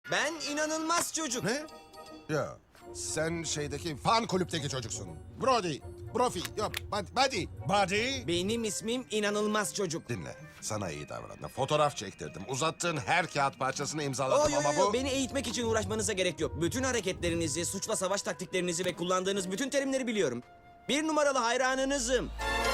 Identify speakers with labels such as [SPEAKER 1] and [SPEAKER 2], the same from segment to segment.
[SPEAKER 1] Ben inanılmaz çocuk.
[SPEAKER 2] Ne? Ya sen şeydeki fan kulüpteki çocuksun. Brody, Brofi, yok Buddy. Buddy.
[SPEAKER 1] Benim ismim inanılmaz çocuk.
[SPEAKER 2] Dinle, sana iyi davrandım. Fotoğraf çektirdim. Uzattığın her kağıt parçasını
[SPEAKER 1] Oh,
[SPEAKER 2] imzaladım
[SPEAKER 1] yo, yo,
[SPEAKER 2] ama
[SPEAKER 1] yo.
[SPEAKER 2] bu...
[SPEAKER 1] Beni eğitmek için uğraşmanıza gerek yok. Bütün hareketlerinizi, suçla savaş taktiklerinizi ve kullandığınız bütün terimleri biliyorum. Bir numaralı hayranınızım.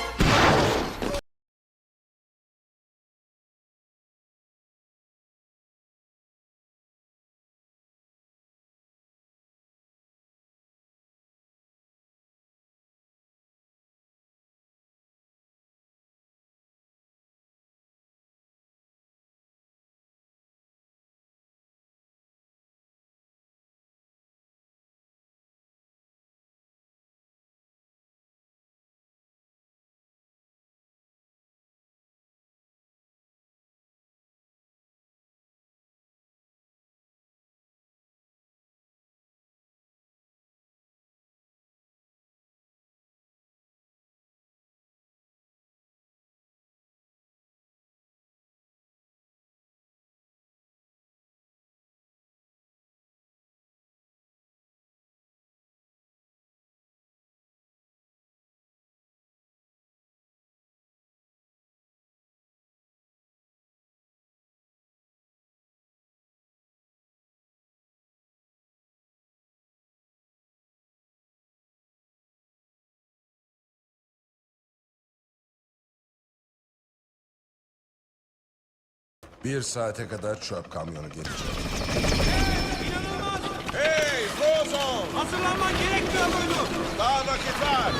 [SPEAKER 2] Bir saate kadar çöp kamyonu gelecek.
[SPEAKER 3] İnanılmaz!
[SPEAKER 2] Hey Frozo!
[SPEAKER 3] Hazırlanman gerekmiyor muydu?
[SPEAKER 2] Daha vakit var.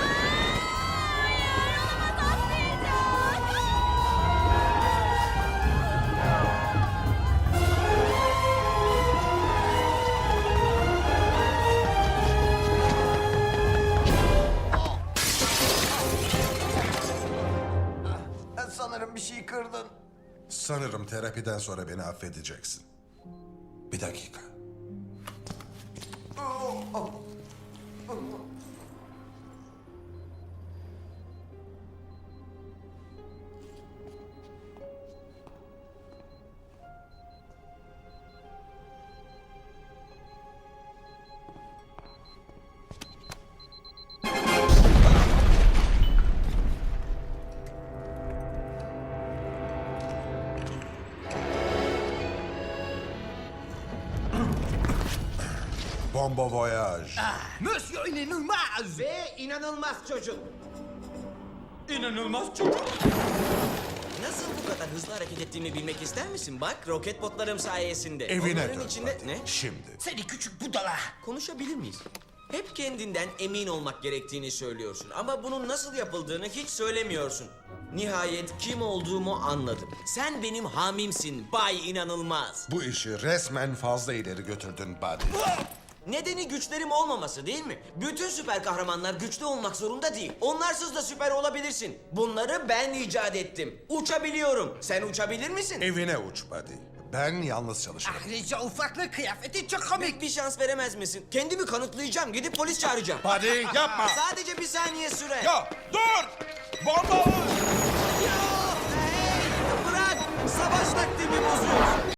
[SPEAKER 4] Sanırım bir şey kırdın.
[SPEAKER 2] Sanırım terapiden sonra beni affedeceksin. Bir dakika. Bomba voyage.
[SPEAKER 4] Monsieur inanılmaz.
[SPEAKER 1] Ve inanılmaz çocuk.
[SPEAKER 3] İnanılmaz çocuk.
[SPEAKER 1] Nasıl bu kadar hızlı hareket ettiğimi bilmek ister misin? Bak, roket botlarım sayesinde.
[SPEAKER 2] Evine
[SPEAKER 1] Onların
[SPEAKER 2] dön.
[SPEAKER 1] içinde...
[SPEAKER 2] Buddy.
[SPEAKER 1] Ne?
[SPEAKER 2] Şimdi.
[SPEAKER 4] Seni küçük budala.
[SPEAKER 1] Konuşabilir miyiz? Hep kendinden emin olmak gerektiğini söylüyorsun ama bunun nasıl yapıldığını hiç söylemiyorsun. Nihayet kim olduğumu anladım. Sen benim hamimsin Bay İnanılmaz.
[SPEAKER 2] Bu işi resmen fazla ileri götürdün Buddy.
[SPEAKER 1] Nedeni güçlerim olmaması değil mi? Bütün süper kahramanlar güçlü olmak zorunda değil. Onlarsız da süper olabilirsin. Bunları ben icat ettim. Uçabiliyorum. Sen uçabilir misin?
[SPEAKER 2] Evine uç Buddy. Ben yalnız çalışırım.
[SPEAKER 4] Ayrıca ufaklık kıyafeti çok komik.
[SPEAKER 1] Bir şans veremez misin? Kendimi kanıtlayacağım. Gidip polis çağıracağım.
[SPEAKER 2] Buddy yapma.
[SPEAKER 1] Sadece bir saniye süre.
[SPEAKER 2] Ya dur! Bomba var!
[SPEAKER 1] Yo, hey, bırak. Savaş taktiğimi bozuyorsun.